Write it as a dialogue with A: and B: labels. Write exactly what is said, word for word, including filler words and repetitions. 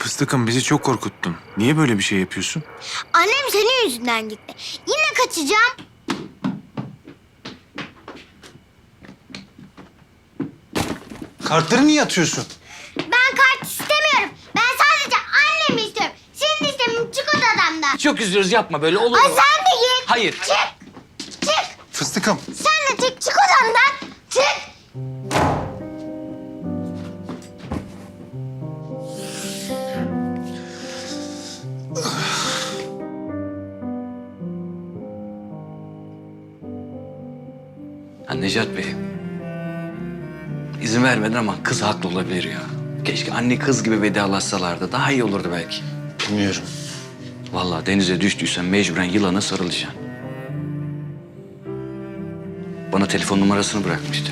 A: Fıstıkım bizi çok korkuttun. Niye böyle bir şey yapıyorsun?
B: Annem senin yüzünden gitti. Yine kaçacağım.
A: Kartları niye atıyorsun?
B: Ben kart istemiyorum. Ben sadece annemi istiyorum. Senin istemin çık odamdan.
C: Çok üzülürüz, yapma böyle, olur mu?
B: Ay sen de git.
C: Hayır.
B: Çık. Çık.
A: Fıstıkım.
B: Sen de çık. Çık odamdan. Çık.
C: Ha, Necat Bey. İzin vermedin ama kız haklı olabilir ya. Keşke anne kız gibi vedalaşsalardı. Daha iyi olurdu belki.
A: Bilmiyorum.
C: Vallahi denize düştüysen mecburen yılana sarılacaksın. Bana telefon numarasını bırakmıştı.